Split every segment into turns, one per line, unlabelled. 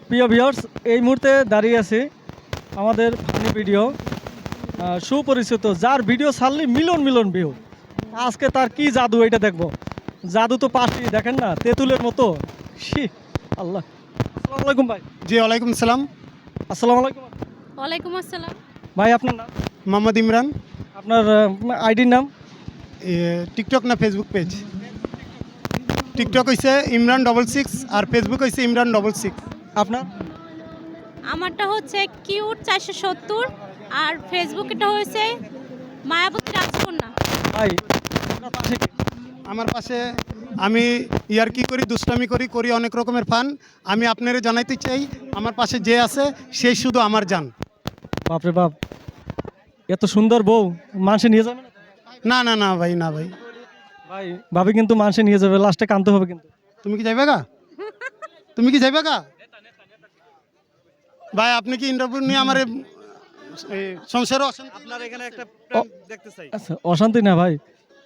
প্রিয় ভিউয়ার্স, এই মুহূর্তে দাঁড়িয়ে আছি আমাদের ফানি ভিডিও সুপরিচিত, যার ভিডিও ছাড়লে মিলন মিলন ভিউ। আজকে তার কি জাদু এটা দেখবো। জাদু তো পাশি দেখেন না, তেঁতুলের মতো। শি আল্লাহ। আসসালামু আলাইকুম ভাই।
জি ওয়ালাইকুম সালাম।
আসসালামু আলাইকুম
ওয়ালাইকুম আসসালাম।
ভাই। আপনার নাম?
মোহাম্মদ ইমরান।
আপনার আইডির নাম?
টিকটক না ফেসবুক পেজ? টিকটক হইছে ইমরান66 আর ফেসবুক হইছে ইমরান66।
আপনার?
আমারটা হচ্ছে কিউট 470 আর ফেসবুকটা হয়েছে মায়াবতী রাজকন্যা।
ভাই আপনার পাশে কে?
আমার পাশে আমি ইয়ারকি করি, দুষ্টামি করি, করি অনেক রকমের ফান। আমি আপনারে জানাইতে চাই, আমার পাশে যে আছে সেই শুধু আমার জান।
বাপরে বাপ, এত সুন্দর বউ মানুষে নিয়ে যাবে না?
না না না ভাই, না ভাই।
ভাই ভাবি কিন্তু মানুষে নিয়ে যাবে, লাস্টে কানতে হবে কিন্তু।
তুমি কি যাইবে গা? তুমি কি যাইবে গা? ভাই আপনি কি ইন্টারভিউ নিয়ে আমার সংসারও আপনার এখানে একটা দেখতে চাই।
আচ্ছা, অশান্তি না ভাই।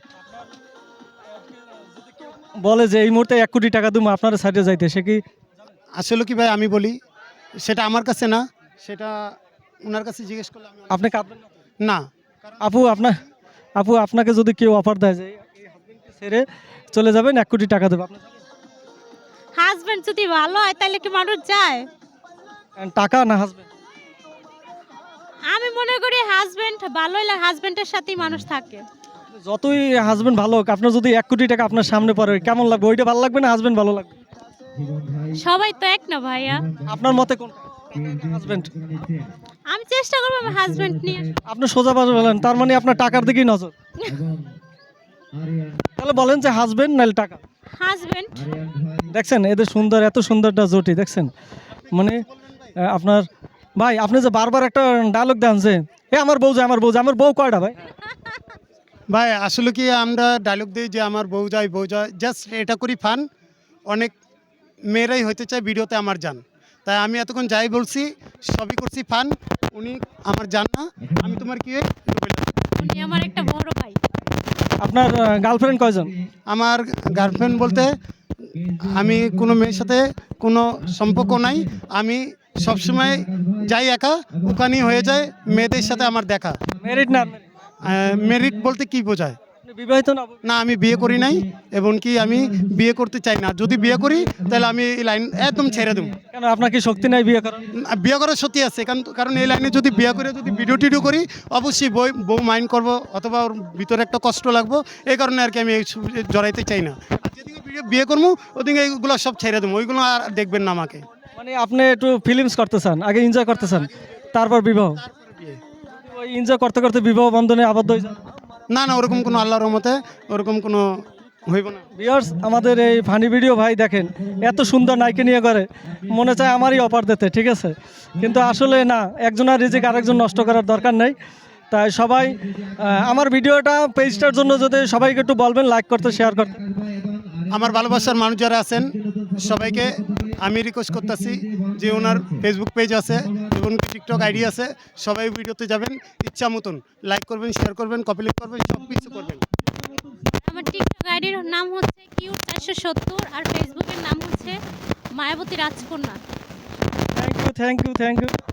বলে যে এই মুহূর্তে 1 কোটি টাকা দেবো আপনার সাইডে যাইতে, সে কি?
আসলে কি ভাই আমি বলি, সেটা আমার কাছে না, সেটা ওনার কাছে জিজ্ঞেস করলে
আপনি কাঁদবেন
না।
আপু আপনাকে যদি কেউ অফার দেয় যে এই হাজবেন্ডকে ছেড়ে চলে যাবেন 1 কোটি টাকা দেবো, আপনি
হাজবেন্ড যদি ভালো হয় তাহলে কি মানুষ যায়?
টাকা না হাজবেন্ড?
আমি মনে করি হাজবেন্ড ভালো হলে হাজবেন্ডের সাথেই মানুষ থাকে।
যতই হাজবেন্ড ভালো হোক, আপনার যদি 1 কোটি টাকা আপনার সামনে পড়ে কেমন লাগবে? ওইটা ভালো লাগবে না হাজবেন্ড ভালো লাগবে?
সবাই তো এক না ভাইয়া।
আপনার মতে কোনটা, হাজবেন্ড?
আমি চেষ্টা করবো আমার হাজবেন্ড নিয়ে আসার।
আপনি সোজা পাশে বলেন, তার মানে আপনার টাকার দিকেই নজর। তাহলে বলেন যে হাজবেন্ড নাহলে টাকা।
হাজবেন্ড।
দেখছেন এদের সুন্দর, এত সুন্দরটা জুটি দেখছেন। মানে আপনার ভাই, আপনি যে বারবার একটা ডায়লগ দেন যে এ আমার বউ যায়, আমার বউ যায়, আমার বউ কয়টা ভাই?
ভাই আসলে কি আমরা ডায়লগ দিই যে আমার বউ যায়, বউ যায়, জাস্ট এটা করি ফান। অনেক মেয়েরাই হইতে চায় ভিডিওতে আমার জান, তাই আমি এতক্ষণ যাই বলছি সবই করছি ফান। উনি আমার জান না, আমি তোমার কি
উনি আমার একটা বড় ভাই।
আপনার গার্লফ্রেন্ড কয়জন?
আমার গার্লফ্রেন্ড বলতে আমি কোনো মেয়ের সাথে কোনো সম্পর্ক নাই। আমি সবসময় যাই একা, ওখানেই হয়ে যায় মেয়েদের সাথে আমার দেখা।
ম্যারিড না?
মেরিট বলতে কি বোঝায়?
আপনি বিবাহিত না?
না, আমি বিয়ে করি নাই এবং কি আমি বিয়ে করতে চাই না। যদি বিয়ে করি তাহলে আমি এই লাইন একদম ছেড়ে দেবো।
কেন, আপনার কি শক্তি নাই বিয়ে করার?
বিয়ে করার সত্যি আছে, কারণ এই লাইনে যদি বিয়ে করে যদি ভিডিও টিডিও করি অবশ্যই বউ মাইন্ড করবো, অথবা ওর ভিতরে একটা কষ্ট লাগবো। এই কারণে আর কি আমি জড়াইতে চাই না। আর যেদিকে বিয়ে করবো ওদিকে এইগুলো সব ছেড়ে দেবো, ওইগুলো আর দেখবেন না আমাকে।
মানে আপনি একটু ফিলিংস করতে চান, আগে এনজয় করতে চান, তারপর বিবাহ। ওই এনজয় করতে করতে বিবাহ বন্ধনে আবদ্ধ হয়ে যান?
না না, ওরকম কোনো আল্লাহর রহমতে ওরকম কোনো হইব না।
ভিউয়ার্স, আমাদের এই ফানি ভিডিও ভাই দেখেন এত সুন্দর নায়িকা নিয়ে করে, মনে চায় আমারই অফার দিতে, ঠিক আছে? কিন্তু আসলে না, একজনের রিজিক আরেকজন নষ্ট করার দরকার নেই। তাই সবাই আমার ভিডিওটা পেজটার জন্য যদি সবাইকে একটু বলবেন লাইক করতে, শেয়ার করতে।
আমার ভালোবাসার মানুষ যারা আছেন সবাইকে আমি রিকোয়েস্ট করতেছি যে ওনার ফেসবুক পেজ আছে এবং টিকটক আইডি আছে, সবাই ভিডিওতে যাবেন, ইচ্ছা মতন লাইক করবেন, শেয়ার করবেন, কপি লিঙ্ক করবেন, সব কিছু করবেন।
আমার টিকটক আইডির নাম হচ্ছে কিউট 470 আর ফেসবুকের নাম হচ্ছে মায়াবতী রাজকন্যা।
Thank you.